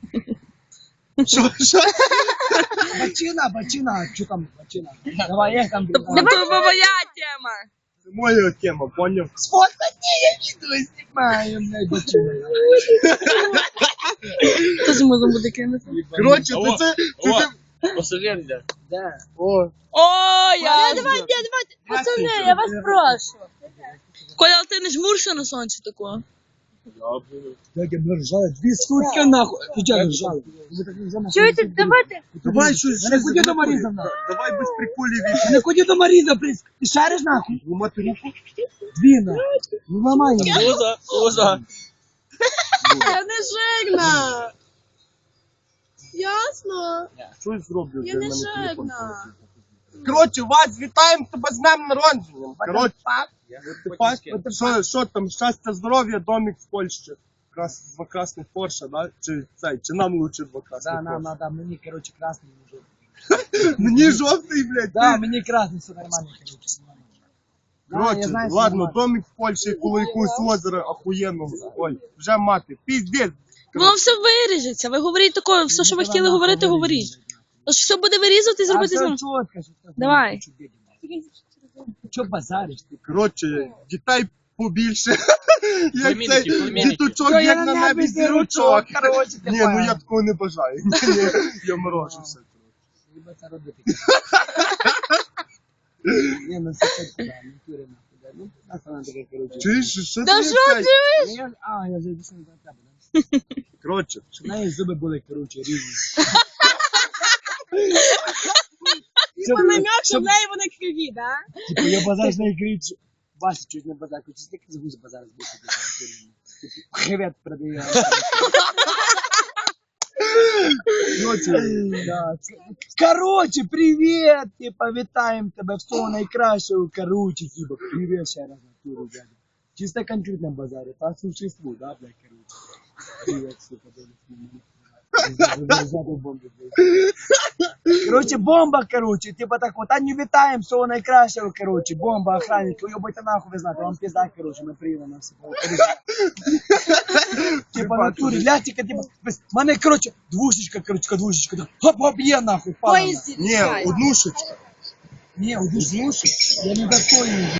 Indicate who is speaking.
Speaker 1: Що?
Speaker 2: Бачина, що там бачина? Давай, як там?
Speaker 3: Це моя тема.
Speaker 1: Це моя тема, поняв?
Speaker 2: Сфоткай, я відео знімаю, блядь, бачина.
Speaker 3: Теж можна буде кинути.
Speaker 1: Коротше, це...
Speaker 4: Пасажир йде.
Speaker 2: Да.
Speaker 1: О,
Speaker 3: Давайте, пацани, я вас прошу. Коля, ти не жмурся на сонці такого?
Speaker 2: Як я ржали, 2 сутки нахуй. Ти чого ржали?
Speaker 3: Чуєте, давайте.
Speaker 1: давай щось...
Speaker 2: Не ході до Маріза, нахуй.
Speaker 1: Давай без приколів.
Speaker 2: Не ході до Маріза, блядь. Ти шариш нахуй?
Speaker 1: Ломати руку?
Speaker 2: 2 нахуй. Ну нормально.
Speaker 4: Поза.
Speaker 3: Я не жирна. Ясно?
Speaker 1: Щось зроблю.
Speaker 3: Я не жирна.
Speaker 1: Коротше, вас вітаємо тебе з днем народження. Коротше, що там, щастя, здоров'я, домик в Польщі. Два красних Порше, да? Чи нам лучше 2 красних
Speaker 2: Да,
Speaker 1: Порше?
Speaker 2: да, мені, короче, красний мужик.
Speaker 1: Мені жовтий, блядь.
Speaker 2: Да, мені красний, все нормально, короче.
Speaker 1: Коротше, ладно, домик в Польщі, коло якогось озера охуєнного. Ой, вже мати, піздець.
Speaker 3: Воно все виріжеться. Ви говоріть такое, все, що ви хотіли говорити, говоріть. Тож все буде вирізати і зробити знову. Давай.
Speaker 2: Чо базариш ти?
Speaker 1: Коротше, дітей побільше. Як
Speaker 4: Племінники,
Speaker 1: цей
Speaker 4: племінники.
Speaker 1: діточок,
Speaker 2: Я
Speaker 1: як
Speaker 2: на
Speaker 1: на
Speaker 2: небі
Speaker 1: небі
Speaker 2: зірочок,
Speaker 1: зірочок.
Speaker 2: коротше, ти
Speaker 1: Ні, ну
Speaker 2: понял.
Speaker 1: я такого не бажаю. Ні, я морожуся.
Speaker 2: Треба це робити. Ні, ну це так, да, не кури нахуй, да. Ну, нас вона таке, коротше.
Speaker 1: Чуєш, що
Speaker 3: Та
Speaker 1: ти
Speaker 3: що
Speaker 1: цей?
Speaker 3: ти?
Speaker 2: Я зайду на тебе, да.
Speaker 1: Коротше,
Speaker 2: Щоб в неї зуби були, коротше, рівні.
Speaker 3: Типа намек, що в неї вони криві, да?
Speaker 2: Типу, я базар з нею кричу. Вася чуть не базар, хочу стільки з базар збити. Хребет продає. Короче, привет! Типа, вітаємо тебе, всього найкращого, короче, типа, привет ще раз на туру, дядя. Чисто конкретно базаре, по существу, да, блядь, короче. Привет, сука, короче, бомба, короче, типа так вот, а не вітаємо, всього найкращого, короче, бомба, охранник, уйобайте нахуй, ви знаєте, вам пизда, короче, ми приїдемо на все. Типа на турі, лястика, типа, мене, короче, двушечка, так, хоп-хоп, є нахуй, пала.
Speaker 1: ні, однушечка.
Speaker 2: Не, удушнушек, я не достойный.